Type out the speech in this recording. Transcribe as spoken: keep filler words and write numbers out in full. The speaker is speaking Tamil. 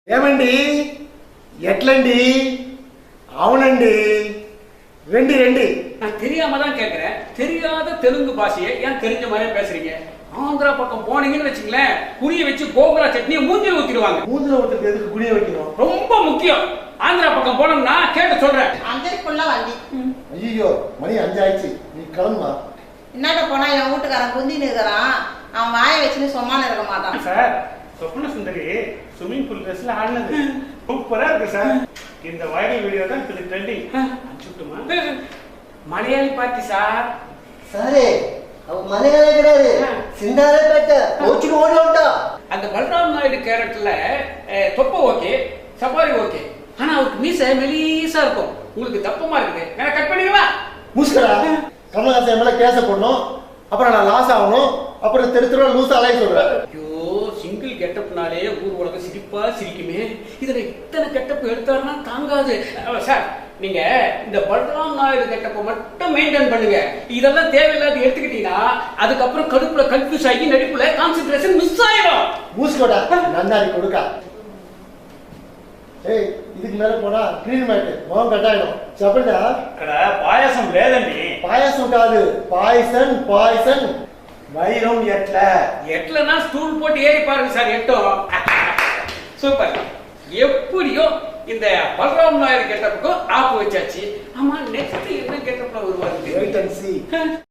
ఏమండి ఎట్లండి అవునండి ரெண்டு ரெண்டு நான் தெரியாம தான் கேட்கிறேன். தெரியாத தெலுங்கு பாஷையை ஏன் தெரிஞ்ச மாதிரி பேசுறீங்க? ஆந்திரா பக்கம் போனீங்கன்னு வச்சுங்களேன், புரிய வச்சு கோபுரா சட்னியை மூஞ்சில ஊத்திடுவாங்க. மூஞ்சில ஊத்துறது எதுக்கு குனிய வைக்கணும்? ரொம்ப முக்கியம். ஆந்திரா பக்கம் போனோம்னா கேட்டு சொல்றேன். அஞ்சரைக்குள்ள வண்டி. ஐயோ மணி அஞ்சு ஆயிடுச்சு, நீ கிளம்பா. என்னட்ட போனா என் வீட்டுக்காரன் குந்தின்னு இருக்கிறான், அவன் வாயை வச்சுன்னு சும்மானு இருக்க மாட்டான். சார், சொப்ன சுந்தரி ஸ்விமிங் பூல் ட்ரெஸ்ல ஆடினது சூப்பரா இருக்கு சார். இந்த வைரல் வீடியோ தான் இது ட்ரெண்டிங். அனுப்பிச்சுட்டுமா? Malayali party sir. சாரே அவ மலையாள கிடையாது, சிந்தாரே பேட்ட கோச்சிக்கு ஓடி ஓட்டா. அந்த பல்ராம் நாயுடு கேரக்டர்ல தொப்ப ஓகே, சபாரி ஓகே, ஆனா அவருக்கு மீசை மெலிசா இருக்கும். உங்களுக்கு தப்பமா இருக்குது, நான் கட் பண்ணிடுவா. முஸ்கரா கமலஹாசன் மேல கேச போடணும், அப்புறம் நான் லாஸ் ஆகணும், அப்புறம் தெரு தெருவா லூசா அலைய சொல்றேன். ஐயோ, சிங்கிள் கெட்டப்னாலே ஊர் உலகம் சிரிப்பா சிரிக்குமே, இதுல இத்தனை கெட்டப் எடுத்தாருன்னா தாங்காது. சார், நீங்க இந்த பல்ராம் நாயுடு கெட்டப்ப மட்டும் மெயின்டைன் பண்ணுங்க. இதெல்லாம் தேவையில்லாத எடுத்துக்கிட்டீங்கன்னா அதுக்கப்புறம் கடுப்புல கன்ஃபியூஸ் ஆகி நடிப்புல கான்சென்ட்ரேஷன் மிஸ் ஆயிடும். மூஸ்கோடா நன்னாரி கொடுக்கா. ஏய், இதுக்கு மேல போனா கிரீன் மேட் மோகம் கட்டாயிடும். చెప్పండి ఇక్కడ పాయసం లేదండి. பாயாசம் காது, பாய்சன் பாய்சன். வைரம் எட்ல எட்லனா ஸ்டூல் போட்டு ஏறி பாருங்க சார், எட்டும். சூப்பர். எப்படியோ இந்த பல்ராம் நாயுடு கெட்டப்புக்கும் ஆப்பு வச்சாச்சு. ஆமா, நெக்ஸ்ட் என்ன கெட்டப்ல வருவாரு? Wait and sea.